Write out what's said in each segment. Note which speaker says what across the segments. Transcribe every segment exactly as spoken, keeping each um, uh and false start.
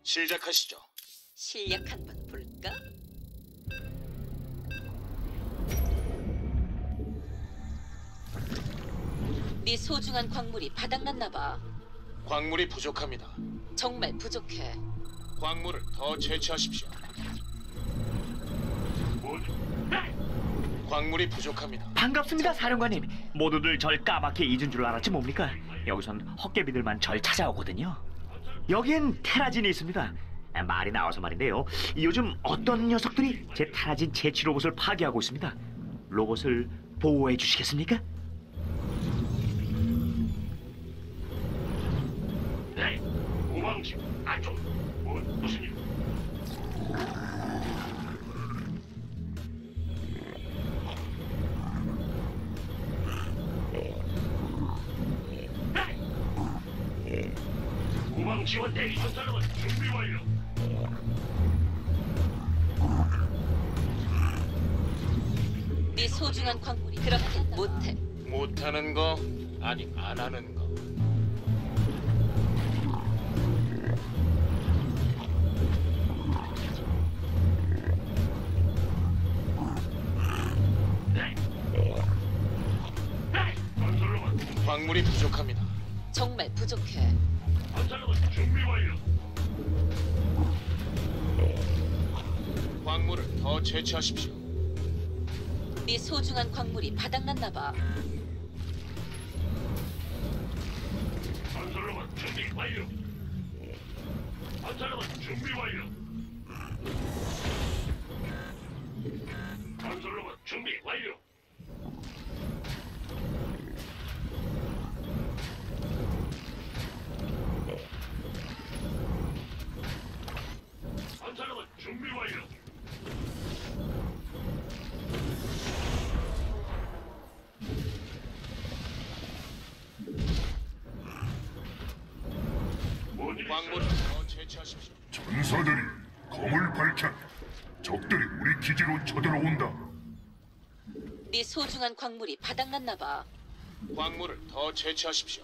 Speaker 1: 시작하시죠.
Speaker 2: 실력 한번 볼까? 네 소중한 광물이 바닥났나 봐.
Speaker 1: 광물이 부족합니다.
Speaker 2: 정말 부족해.
Speaker 1: 광물을 더 채취하십시오. 광물이 부족합니다.
Speaker 3: 반갑습니다, 사령관님. 모두들 절 까맣게 잊은 줄 알았지 뭡니까? 여기선 헛개비들만 절 찾아오거든요. 여기엔 테라진이 있습니다. 아, 말이 나와서 말인데요. 요즘 어떤 녀석들이 제 테라진 채취 로봇을 파괴하고 있습니다. 로봇을 보호해 주시겠습니까?
Speaker 4: 네, 우왕지 안쪽. 뭐, 무슨 일? 우왕 지원 대기 전사람은 준비 완료.
Speaker 2: 네 소중한 광물이 그렇게 못해.
Speaker 1: 못하는 거 아니 안 하는 거.
Speaker 4: 네. 네, 건설로만
Speaker 1: 광물이 부족합니다.
Speaker 2: 정말 부족해.
Speaker 4: 건설로만 준비 완료.
Speaker 1: 광물을 더 채취하십시오.
Speaker 2: 네 소중한 광물이 바닥났나 봐.
Speaker 4: 건설로만 준비 완료. 건설로만 준비 완료. 건설로만 준비 완료. 건설로만 준비 완료.
Speaker 1: 광물을 더 채취하십시오.
Speaker 5: 전사들이 검을 밝혔다. 적들이 우리 기지로 쳐들어온다.
Speaker 2: 네 소중한 광물이 바닥났나 봐.
Speaker 1: 광물을 더 채취하십시오.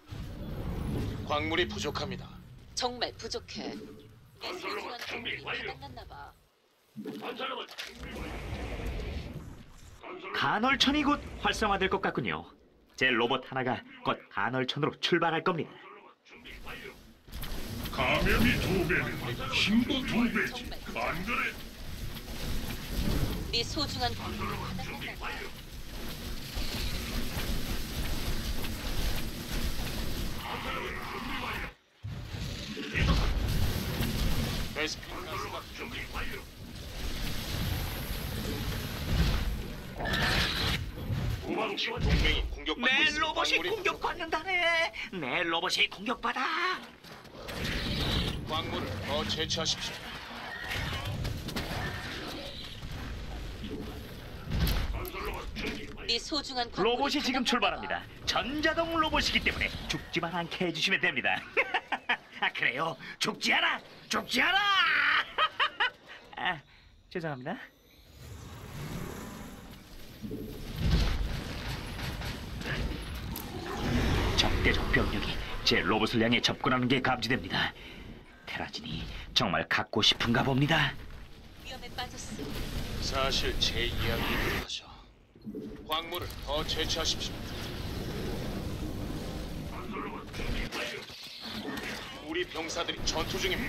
Speaker 1: 광물이 부족합니다.
Speaker 2: 정말 부족해. 네 소중한
Speaker 4: 준비
Speaker 2: 광물이
Speaker 4: 완료.
Speaker 2: 바닥났나 봐.
Speaker 4: 건설로만 준비 완료. 건설로만
Speaker 3: 간헐천이 곧 활성화될 것 같군요. 제 로봇 하나가 곧 간헐천으로 출발할 겁니다.
Speaker 4: 준비 완료.
Speaker 5: 감염이 두 배는 힘도 두 배지. 안 그래?
Speaker 2: 네 소중한 광물이 바닥났나 봐.
Speaker 4: 완료.
Speaker 1: 베스핀 가스가
Speaker 4: 준비 완료. 우방 지원
Speaker 1: 동맹이 공격받고
Speaker 3: 내
Speaker 1: 있습니다.
Speaker 3: 로봇이
Speaker 1: 광물이
Speaker 3: 공격받는다네. 내 로봇이 공격받아.
Speaker 1: 부족- 광물을 더 채취하십시오.
Speaker 4: 건설로만 준비 완료.
Speaker 2: 네 소중한 광물이
Speaker 3: 로봇이 지금
Speaker 2: 바닥났나
Speaker 3: 출발합니다.
Speaker 2: 봐.
Speaker 3: 전자동 로봇이기 때문에 죽지만 않게 해주시면 됩니다. 아 그래요? 죽지 않아! 죽지 않아! 아 죄송합니다. 적대적 병력이 제 로봇을 향해 접근하는 게 감지됩니다. 테라진이 정말 갖고 싶은가 봅니다.
Speaker 2: 위험에 빠졌어.
Speaker 1: 사실 제 이야기를 하셔. 광물을 더 채취하십시오.
Speaker 4: 건설로만 준비 완료.
Speaker 1: 우리 병사들이 전투 중입니다.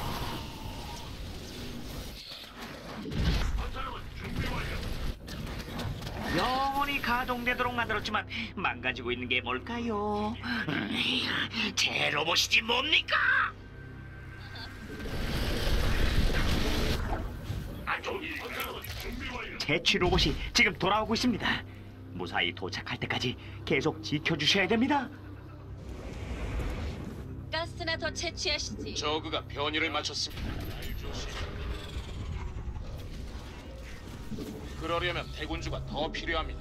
Speaker 4: 건설로만 준비 완료.
Speaker 3: 영원히 가동되도록 만들었지만 망가지고 있는 게 뭘까요? 음, 제 로봇이지 뭡니까?
Speaker 4: 안쪽 건설로만 준비 완료.
Speaker 3: 채취 로봇이 지금 돌아오고 있습니다. 무사히 도착할 때까지 계속 지켜주셔야 됩니다.
Speaker 2: 가스나 더 채취하시지.
Speaker 1: 저그가 변이를 마쳤습니다. 날 조심. 그러려면 대군주가 더 필요합니다.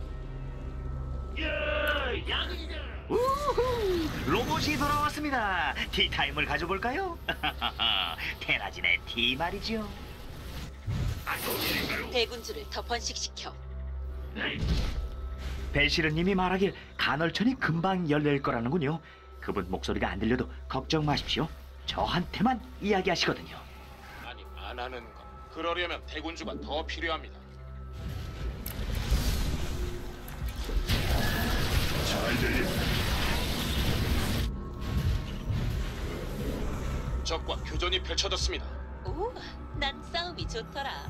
Speaker 4: 야, 양이다.
Speaker 3: 우후! 로봇이 돌아왔습니다. 티타임을 가져볼까요? 테라진의 티 말이죠.
Speaker 4: 안쪽 일인가요?
Speaker 2: 대군주를 더 번식시켜.
Speaker 4: 네.
Speaker 3: 벨시르님이 말하길 간헐천이 금방 열릴 거라는군요. 그분 목소리가 안 들려도 걱정 마십시오. 저한테만 이야기하시거든요.
Speaker 1: 아니, 안 하는 거. 그러려면 대군주가 더 필요합니다.
Speaker 5: 잘 들려.
Speaker 1: 적과 교전이 펼쳐졌습니다.
Speaker 2: 오, 난 싸움이 좋더라.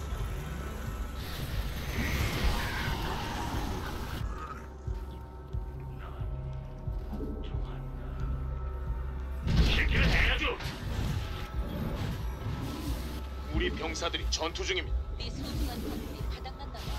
Speaker 4: 시키면 해야죠.
Speaker 1: 우리 병사들이 전투 중입니다.
Speaker 2: 네 소중한 광물이 바닥난다 봐.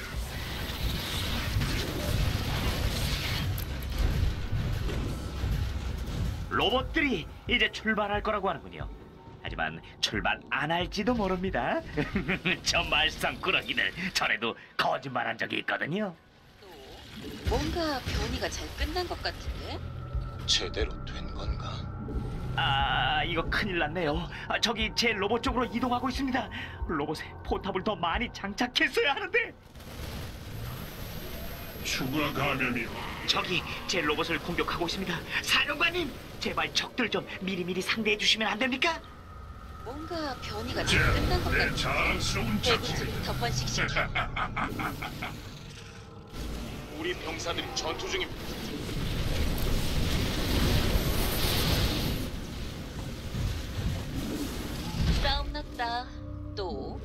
Speaker 3: 로봇들이 이제 출발할 거라고 하는군요. 하지만 출발 안 할지도 모릅니다. 저 말썽꾸러기들 전에도 거짓말한 적이 있거든요.
Speaker 2: 또 뭔가 변이가 잘 끝난 것 같은데?
Speaker 1: 제대로 된 건가?
Speaker 3: 아, 이거 큰일 났네요. 아, 저기 제 로봇 쪽으로 이동하고 있습니다. 로봇에 포탑을 더 많이 장착했어야 하는데.
Speaker 5: 추가 감염이요.
Speaker 3: 저기 제 로봇을 공격하고 있습니다. 사령관님, 제발 적들 좀 미리미리 상대해 주시면 안 됩니까?
Speaker 2: 뭔가 변이가 잘
Speaker 5: 자,
Speaker 2: 끝난 것
Speaker 5: 내
Speaker 2: 같은데?
Speaker 5: 자랑스러운 작품.
Speaker 2: 대군주를 더 번식시켜.
Speaker 1: 우리 병사들이 전투 중입니다.
Speaker 2: 싸움 났다. 또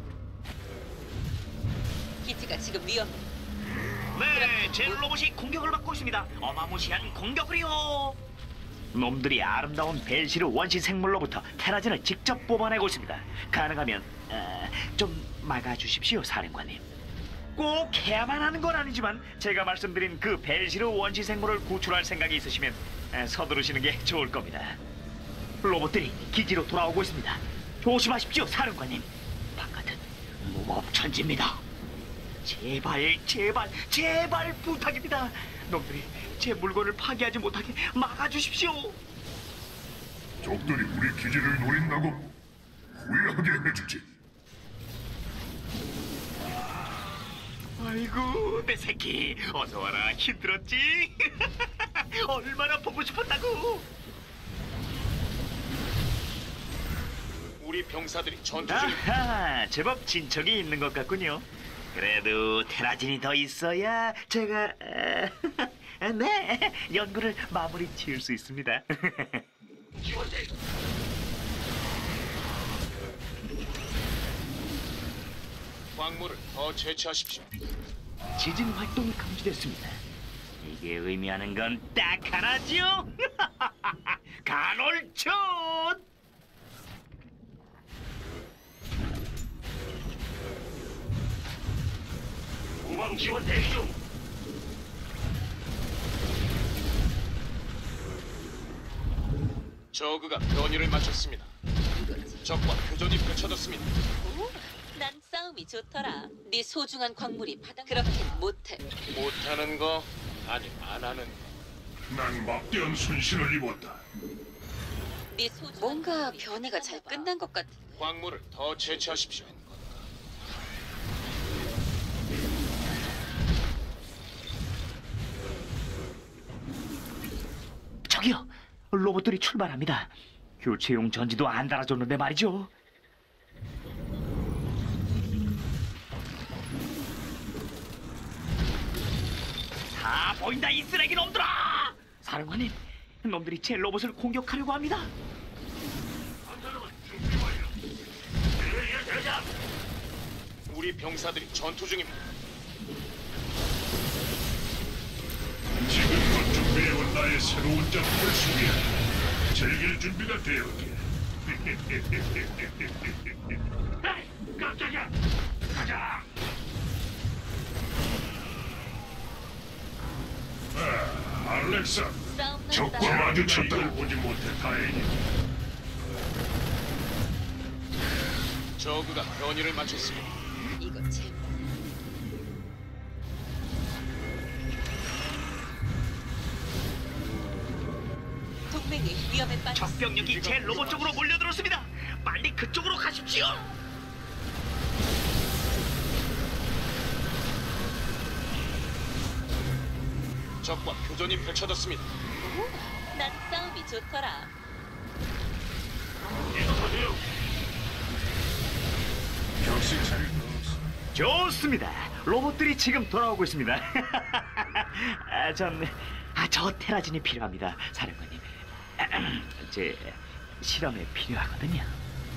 Speaker 2: 기지가 지금 위험해.
Speaker 3: 네, 제 로봇이 공격을 받고 있습니다. 어마무시한 공격을요. 놈들이 아름다운 벨시르 원시 생물로부터 테라진을 직접 뽑아내고 있습니다. 가능하면 어, 좀 막아주십시오, 사령관님. 꼭 해야만 하는 건 아니지만 제가 말씀드린 그 벨시르 원시 생물을 구출할 생각이 있으시면 어, 서두르시는 게 좋을 겁니다. 로봇들이 기지로 돌아오고 있습니다. 조심하십시오, 사령관님. 바깥은 무법천지입니다. 제발, 제발, 제발 부탁입니다. 놈들이 제 물건을 파괴하지 못하게 막아주십시오.
Speaker 5: 적들이 우리 기지를 노린다고 후회하게 해주지.
Speaker 3: 아이고, 내 새끼, 어서 와라. 힘들었지? 얼마나 보고 싶었다고.
Speaker 1: 우리 병사들이 전투 중입니다.
Speaker 3: 아하, 제법 진척이 있는 것 같군요. 그래도 테라진이 더 있어야 제가 아, 네, 연구를 마무리 지을 수 있습니다.
Speaker 4: 지원대.
Speaker 1: 광물을 더 채취하십시오.
Speaker 3: 지진 활동이 감지됐습니다. 이게 의미하는 건 딱 하나죠. 간헐촌.
Speaker 4: 후방 지원 대기 중.
Speaker 1: 저그가 변이를 마쳤습니다. 적과 교전이 펼쳐졌습니다.
Speaker 2: 오, 난 싸움이 좋더라. 네 소중한 광물이 바닥. 그렇긴 못해.
Speaker 1: 못하는 거 아니 안 하는 거.
Speaker 5: 난 막대한 손실을 입었다.
Speaker 2: 네 소중한 뭔가 변이가 잘 끝난 것 같은데?
Speaker 1: 광물을 더 채취하십시오.
Speaker 3: 저기요, 로봇들이 출발합니다. 교체용 전지도 안 달아줬는데 말이죠. 다 보인다, 이 쓰레기 놈들아! 사령관님, 놈들이 제 로봇을 공격하려고 합니다.
Speaker 4: 건설로만 준비 완료. 대리의 대장.
Speaker 1: 우리 병사들이 전투 중입니다.
Speaker 5: 지금껏 준비해온 나의 새로운 작품을 소개하라. 즐길 준비가 되었게.
Speaker 4: 에이, 깜짝이야. 가자.
Speaker 5: 아, 알렉사,
Speaker 2: 싸움
Speaker 5: 적과
Speaker 2: 났다.
Speaker 5: 마주쳤다. 이걸 보지 못해 다행이다.
Speaker 1: 저그가 변이를 마쳤습니다.
Speaker 2: 이거 제 동맹이 위험에 빠졌어.
Speaker 3: 적병력이 제 로봇 쪽으로 몰려들었습니다. 빨리 그쪽으로 가십시오.
Speaker 1: 적과 교전이 펼쳐졌습니다.
Speaker 2: 오, 난 싸움이 좋더라.
Speaker 4: 계속하세요.
Speaker 5: 정신 차릴 거 없어.
Speaker 3: 좋습니다. 로봇들이 지금 돌아오고 있습니다. 아, 전, 아, 저 테라진이 필요합니다, 사령관님. 제 실험에 필요하거든요.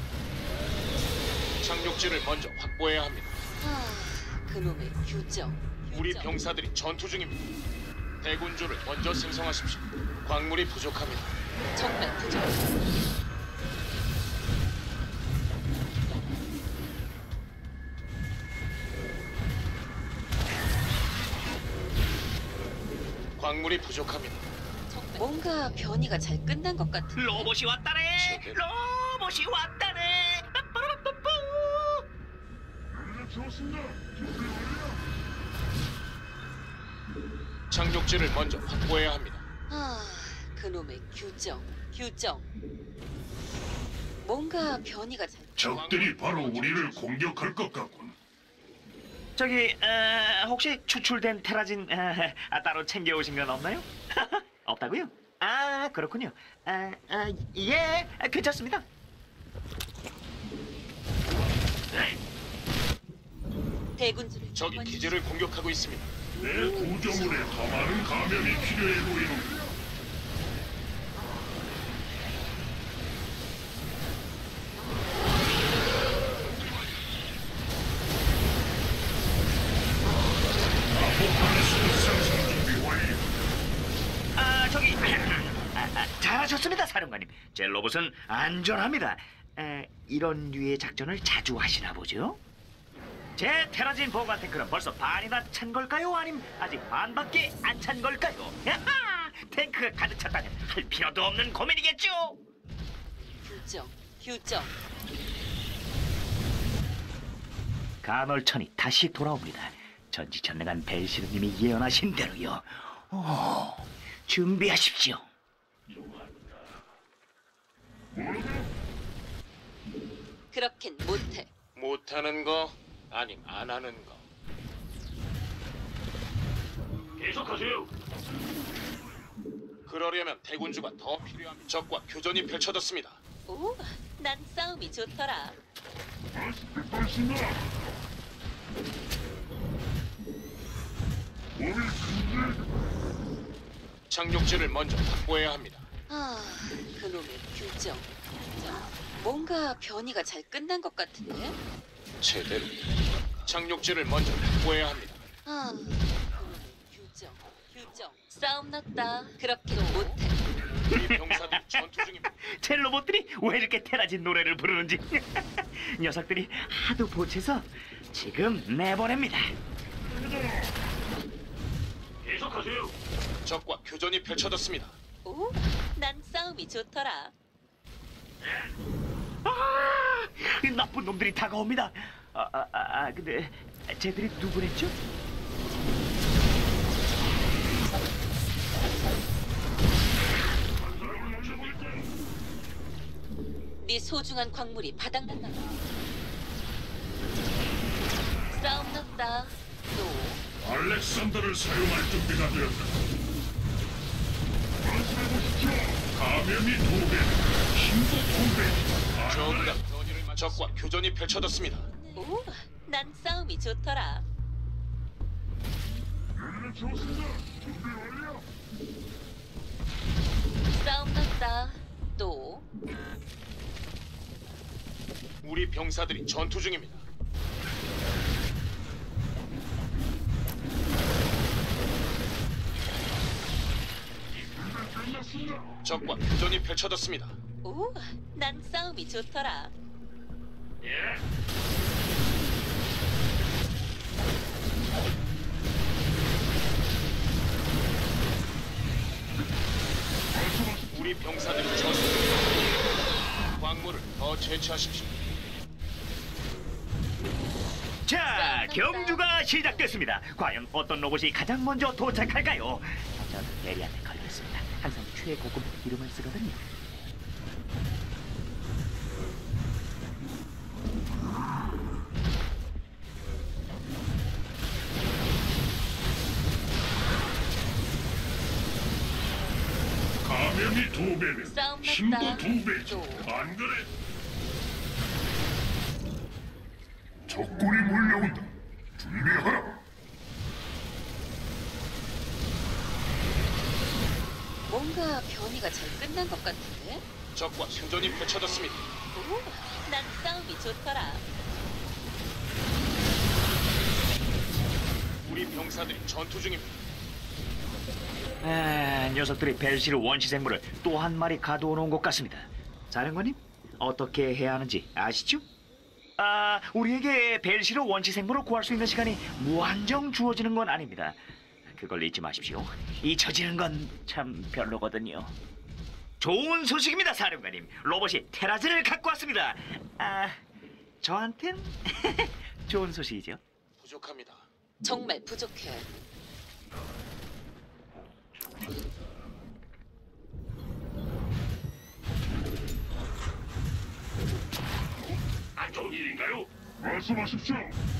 Speaker 1: 착륙지를 먼저 확보해야 합니다.
Speaker 2: 아, 그놈의 규정.
Speaker 1: 우리
Speaker 2: 규정.
Speaker 1: 병사들이 전투 중입니다. 대군주를 먼저 생성하십시오. 광물이 부족합니다.
Speaker 2: 정말 부족.
Speaker 1: 광물이 부족합니다.
Speaker 2: 정말 뭔가 변이가 잘 끝난 것 같은.
Speaker 3: 로봇이 왔다네.
Speaker 1: 제대로.
Speaker 3: 로봇이 왔다네. 빠빠라빠빠.
Speaker 5: 연락 좋습니다. 준비 완료.
Speaker 1: 착륙지를 먼저 확보해야 합니다.
Speaker 2: 아, 그놈의 규정. 규정. 뭔가 변이가 잘.
Speaker 5: 적들이 바로 우리를 공격할 것 같군.
Speaker 3: 저기 어, 혹시 추출된 테라진 어, 아, 따로 챙겨오신 건 없나요? 없다고요? 아 그렇군요. 아, 아, 예, 아, 괜찮습니다.
Speaker 2: 대군주를
Speaker 1: 적이 기지를 공격하고 있습니다.
Speaker 5: 내 구조물에 더 많은 감염이 필요해 보이는. 아포칼리스 상승 준비 완료.
Speaker 3: 아 저기 아, 아, 잘하셨습니다, 사령관님. 제 로봇은 안전합니다. 에, 이런 류의 작전을 자주 하시나 보죠? 제 테라진 보관 탱크는 벌써 반이나 찬 걸까요? 아님 아직 반밖에 안 찬 걸까요? 야하! 탱크가 가득 찼다면 할 필요도 없는 고민이겠죠?
Speaker 2: 규정. 규정.
Speaker 3: 간헐천이 다시 돌아옵니다. 전지전능한 벨시르님이 예언하신 대로요. 오, 준비하십시오.
Speaker 2: 그렇긴 못해.
Speaker 1: 못하는 거 아님 안 하는 거.
Speaker 4: 계속하세요.
Speaker 1: 그러려면 대군주가 더 필요합니다. 적과 교전이 펼쳐졌습니다.
Speaker 2: 오, 난 싸움이 좋더라.
Speaker 5: 발신다. 몸이 근데
Speaker 1: 착륙지를 먼저 확보해야 합니다.
Speaker 2: 아, 그놈의 규정. 규정. 뭔가 변이가 잘 끝난 것 같은데?
Speaker 1: 제대로. 착륙지를 먼저 확보해야 합니다.
Speaker 2: 아, 그놈의 규정. 규정. 싸움 났다. 그렇게도 못해.
Speaker 1: 우리 병사들이 전투 중입니다.
Speaker 3: 제 로봇들이 왜 이렇게 테라진 노래를 부르는지 녀석들이 하도 보채서 지금 내보냅니다.
Speaker 4: 계속하세요.
Speaker 1: 적과 교전이 펼쳐졌습니다.
Speaker 2: 오, 난 싸움이 좋더라.
Speaker 3: 아, 이 나쁜 놈들이 다가옵니다. 아, 아, 아, 아, 근데 쟤들이 누구랬죠?
Speaker 2: 네 소중한 광물이 바닥났나 봐. 싸움 났다. 또
Speaker 5: 알렉산더를 사용할 준비가 되었다. 말씀해보십시오. 감염이 두 배, 힘도 두 배.
Speaker 1: 적과 변이를 맞 적과 교전이 펼쳐졌습니다.
Speaker 2: 오, 난 싸움이 좋더라.
Speaker 5: 연락 좋습니다. 준비 완료.
Speaker 2: 싸움 났다. 또
Speaker 1: 우리 병사들이 전투 중입니다.
Speaker 5: 끝났습니다.
Speaker 1: 적과 교전이 펼쳐졌습니다.
Speaker 2: 오, 난 싸움이 좋더라.
Speaker 4: 예.
Speaker 1: 우리 병사들이 전투 중입니다. 광물을 더 채취하십시오.
Speaker 3: 자, 경주가 시작됐습니다. 과연 어떤 로봇이 가장 먼저 도착할까요? 저는 예리한테 걸렸습니다. 항상 최고급 이름을 쓰거든요.
Speaker 5: 감염이 감염이 두 배면
Speaker 2: 싸움
Speaker 5: 힘도
Speaker 2: 났다.
Speaker 5: 두 배지.
Speaker 2: 또.
Speaker 5: 안 그래? 적군이 몰려온다. 준비하라.
Speaker 2: 뭔가 변이가 잘 끝난 것 같은데?
Speaker 1: 적과 교전이 펼쳐졌습니다.
Speaker 2: 오, 난 싸움이 좋더라.
Speaker 1: 우리 병사들이 전투 중입니다.
Speaker 3: 아, 녀석들이 벨시르 원시 생물을 또 한 마리 가두어 놓은 것 같습니다. 사령관님, 어떻게 해야 하는지 아시죠? 아, 우리에게 벨시르 원시 생물을 구할 수 있는 시간이 무한정 주어지는 건 아닙니다. 그걸 잊지 마십시오. 잊혀지는 건 참 별로거든요. 좋은 소식입니다, 사령관님. 로봇이 테라즈를 갖고 왔습니다. 아, 저한텐 좋은 소식이죠.
Speaker 1: 부족합니다.
Speaker 2: 정말 부족해.
Speaker 4: 안 좋은 일인가요?
Speaker 5: 말씀하십시오.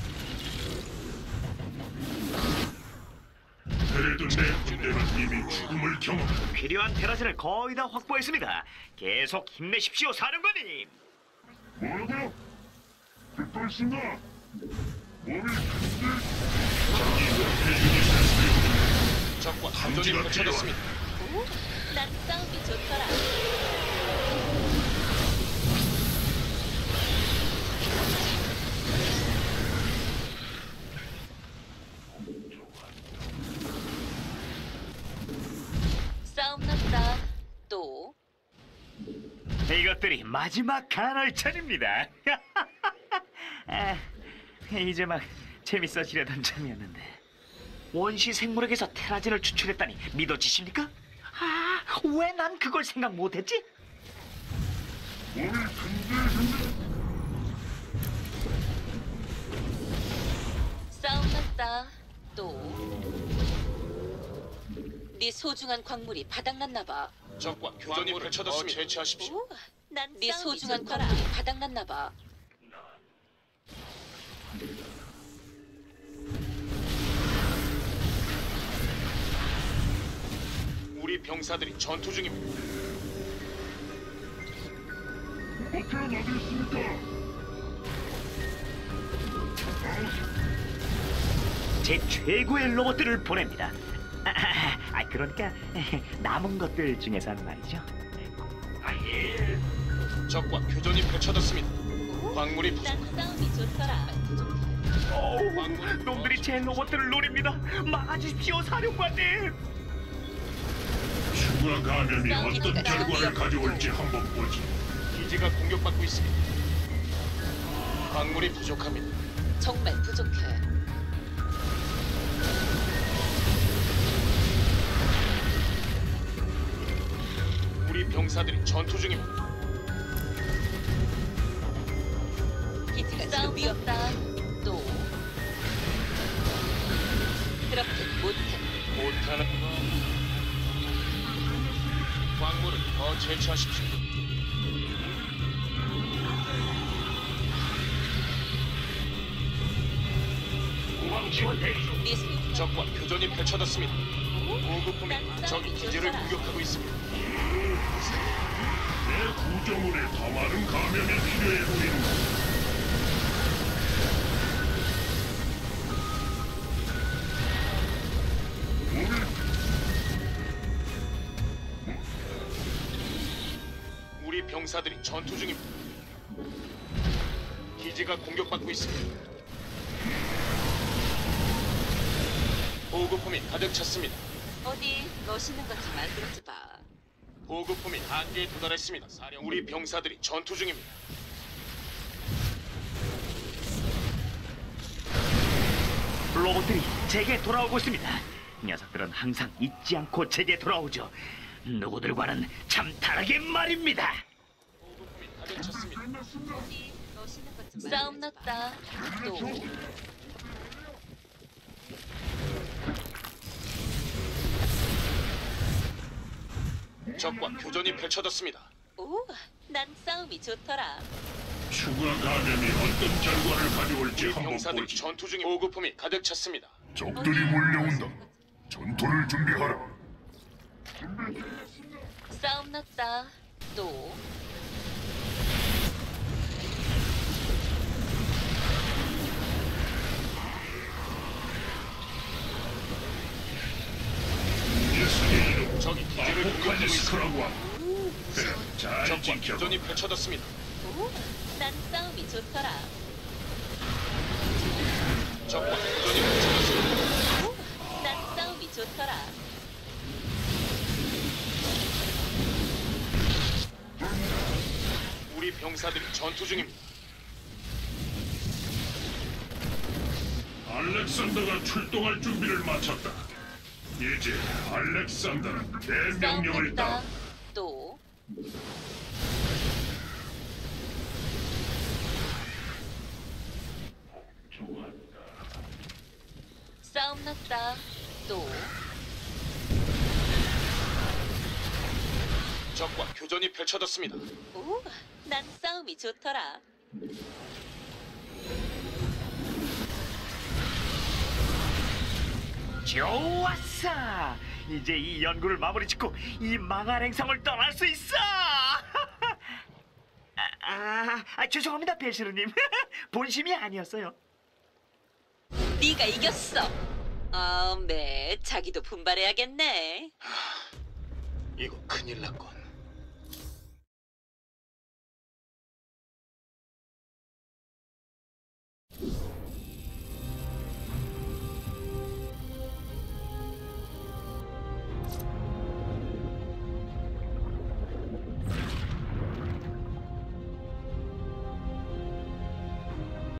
Speaker 5: 그래도 내 군대는 이미 죽음을 경험했다.
Speaker 3: 필요한 테라즈를 거의 다 확보했습니다. 계속 힘내십시오, 사령관님.
Speaker 5: 뭐라고요? 듣고 있습니다. 몸이 근질.
Speaker 1: 적과 교전이
Speaker 5: 감지가
Speaker 1: 펼쳐졌습니다.
Speaker 2: 오, 난 싸움이 좋더라. 싸움 났다. 또.
Speaker 3: 이것들이 마지막 간헐천입니다. 아, 이제 막 재밌어지려던 참이었는데 원시 생물에게서 테라진을 추출했다니 믿어지십니까? 아, 왜 난 그걸 생각 못했지?
Speaker 5: 몸이 근질근질.
Speaker 2: 싸움 났다. 또. 네 소중한 광물이 바닥났나 봐.
Speaker 1: 적과 교전이 펼쳐졌습니다. 제치하십시오.
Speaker 2: 오, 난네 소중한 광물이 바닥났나 봐.
Speaker 1: 우리 병사들이 전투 중입니다.
Speaker 5: 목표는 어디 있습니까?
Speaker 3: 제 최고의 로봇들을 보냅니다. 아, 아, 아, 그러니까 남은 것들 중에서는 말이죠.
Speaker 4: 아예.
Speaker 1: 적과 교전이 펼쳐졌습니다. 광물이
Speaker 2: 난
Speaker 1: 부족합니다.
Speaker 2: 싸움이 좋더라.
Speaker 3: 오, 놈들이 제 로봇들을 노립니다. 막아주십시오, 사령관님.
Speaker 5: 추가 감염이 어떤 결과를 가져올지 한번 보지.
Speaker 1: 기지가 공격받고 있습니다. 광물이 부족합니다.
Speaker 2: 정말 부족해.
Speaker 1: 우리 병사들이 전투 중입니다.
Speaker 2: 기지가 지금 위험다. 또. 그렇게 못해.
Speaker 1: 못하는 거. 광물을 더 채취하십시오.
Speaker 4: 우방 지원 대기 중.
Speaker 2: 네 소중한
Speaker 1: 적과 교전이 펼쳐졌습니다. 보급품이 적 기지를 공격하고 있습니다.
Speaker 5: 내 구조물에 더 많은 감염이 필요해 보인다. 몸이
Speaker 1: 우리 병사들이 전투 중입니다. 기지가 공격받고 있습니다. 보급품이 가득 찼습니다.
Speaker 2: 어디 멋있는 것 좀 만들어지 봐.
Speaker 1: 보급품이 한계에 도달했습니다. 사령 우리 병사들이 전투 중입니다.
Speaker 3: 로봇들이 제게 돌아오고 있습니다. 녀석들은 항상 잊지 않고 제게 돌아오죠. 누구들과는 참 다르게 말입니다.
Speaker 1: 보급품이 가득 찼습니다.
Speaker 2: 어디 멋있는 것 좀 싸움 났다. 또.
Speaker 1: 적과 교전이 펼쳐졌습니다.
Speaker 2: 오, 난 싸움이 좋더라.
Speaker 5: 추가 감염이 어떤 결과를 가져올지
Speaker 1: 우리
Speaker 5: 한번
Speaker 1: 병사들이
Speaker 5: 보지.
Speaker 1: 전투 중에 보급품이 가득 찼습니다.
Speaker 5: 적들이 몰려온다. 전투를 준비하라.
Speaker 2: 싸움 났다. 또
Speaker 5: 예수의 이름
Speaker 1: 적이 기지를 공격하고 있습니다.
Speaker 5: 아포칼리스크라고 함. 그래, 잘
Speaker 1: 적과
Speaker 5: 지켜봐.
Speaker 1: 교전이 펼쳐졌습니다.
Speaker 2: 오, 난 싸움이 좋더라.
Speaker 1: 적과 교전이 펼쳐졌습니다.
Speaker 2: 오, 난 싸움이 좋더라.
Speaker 1: 우리 병사들이 전투 중입니다.
Speaker 5: 알렉산더가 출동할 준비를 마쳤다. 이제 알렉산더는 내
Speaker 2: 싸움
Speaker 5: 명령을
Speaker 2: 났다.
Speaker 5: 따라.
Speaker 2: 또 싸움 났다. 또
Speaker 1: 적과 교전이 펼쳐졌습니다.
Speaker 2: 오, 난 싸움이 좋더라.
Speaker 3: 좋았어. 이제 이 연구를 마무리 짓고 이 망할 행성을 떠날 수 있어. 아, 아, 아, 죄송합니다, 벨시르님. 본심이 아니었어요.
Speaker 2: 네가 이겼어. 아, 매 자기도 분발해야겠네.
Speaker 1: 이거 큰일 났군.